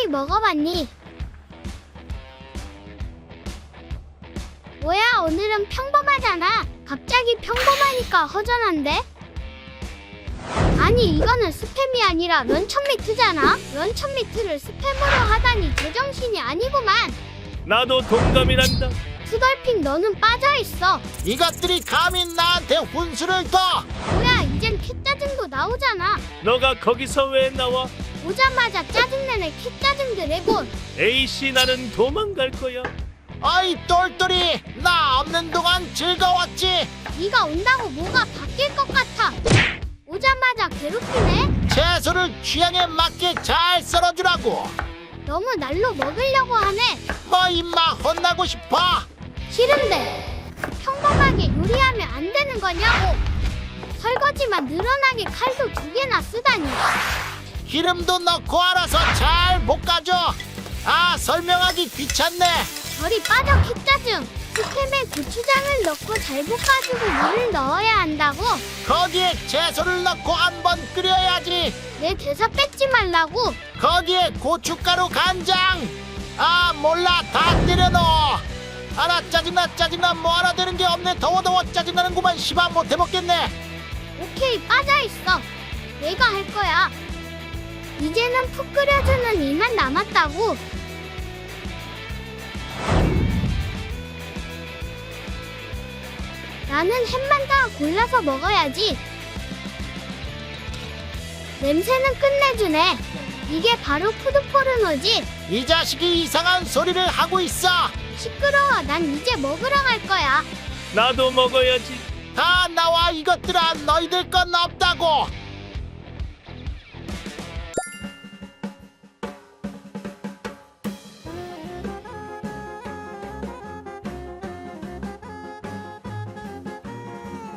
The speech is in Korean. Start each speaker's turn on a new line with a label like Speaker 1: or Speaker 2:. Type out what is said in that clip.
Speaker 1: 혹시 먹어봤니? 뭐야, 오늘은 평범하잖아. 갑자기 평범하니까 허전한데? 아니, 이거는 스팸이 아니라 런천미트잖아. 런천미트를 스팸으로 하다니 제정신이 아니구만.
Speaker 2: 나도 동감이란다.
Speaker 1: 투덜핑, 너는 빠져있어.
Speaker 3: 이것들이 감히 나한테 훈수를 둬!
Speaker 1: 뭐야, 이젠 캣짜증도 나오잖아.
Speaker 2: 너가 거기서 왜 나와?
Speaker 1: 오자마자 짜증내는 캣짜증 드래곤.
Speaker 2: A씨, 나는 도망갈 거야.
Speaker 3: 어이 똘똘이, 나 없는 동안 즐거웠지?
Speaker 1: 네가 온다고 뭐가 바뀔 것 같아. 오자마자 괴롭히네.
Speaker 3: 채소를 취향에 맞게 잘 썰어주라고.
Speaker 1: 너무 날로 먹으려고 하네.
Speaker 3: 뭐 임마 혼나고 싶어?
Speaker 1: 싫은데 평범하게 요리하면 안 되는 거냐고. 설거지만 늘어나게 칼도 2개나 쓰다니.
Speaker 3: 기름도 넣고 알아서 잘 볶아줘. 아, 설명하기 귀찮네.
Speaker 1: 저리 빠져, 캣짜증. 스팸에 고추장을 넣고 잘 볶아주고 물을 넣어야 한다고.
Speaker 3: 거기에 채소를 넣고 한번 끓여야지.
Speaker 1: 내 대사 뺏지 말라고.
Speaker 3: 거기에 고춧가루, 간장. 아, 몰라, 다 때려넣어. 알아, 짜증나 뭐 하나 되는 게 없네. 더워 짜증나는구만. 시바 못 해먹겠네.
Speaker 1: 오케이, 빠져있어. 내가 할 거야. 이제는 푹 끓여주는 일만 남았다고. 나는 햄만 다 골라서 먹어야지. 냄새는 끝내주네. 이게 바로 푸드포르노지.
Speaker 3: 이 자식이 이상한 소리를 하고 있어.
Speaker 1: 시끄러워. 난 이제 먹으러 갈 거야.
Speaker 2: 나도 먹어야지.
Speaker 3: 다 나와, 이것들아. 너희들 건 없다고.